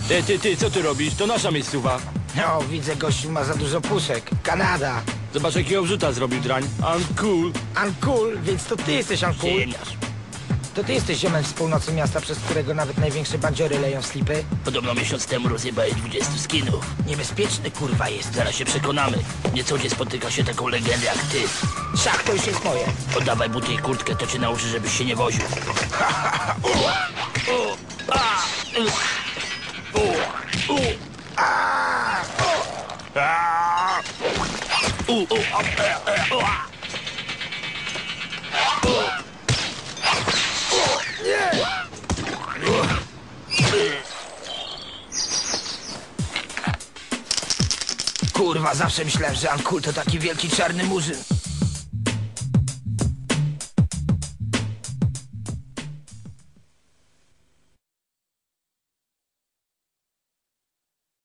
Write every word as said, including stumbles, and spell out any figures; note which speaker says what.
Speaker 1: Ty, ty, ty, co ty robisz? To nasza miejscowa.
Speaker 2: No, widzę, gościu ma za dużo puszek. Kanada.
Speaker 1: Zobacz, jakiego wrzuta zrobił drań. I'm cool.
Speaker 2: Uncool, więc to ty jesteś uncool.
Speaker 1: Ziemniarz.
Speaker 2: To ty jesteś ziomem z północy miasta, przez którego nawet największe bandziory leją slipy.
Speaker 3: Podobno miesiąc temu rozjebałeś dwudziestu skinów.
Speaker 2: Niebezpieczny kurwa jest.
Speaker 3: Zaraz się przekonamy. Nie co gdzie spotyka się taką legendę jak ty.
Speaker 2: Szach, to już jest moje.
Speaker 3: Oddawaj buty i kurtkę, to cię nauczy, żebyś się nie woził.
Speaker 2: Kurwa, zawsze myślałem, że uncool to taki wielki czarny murzyn.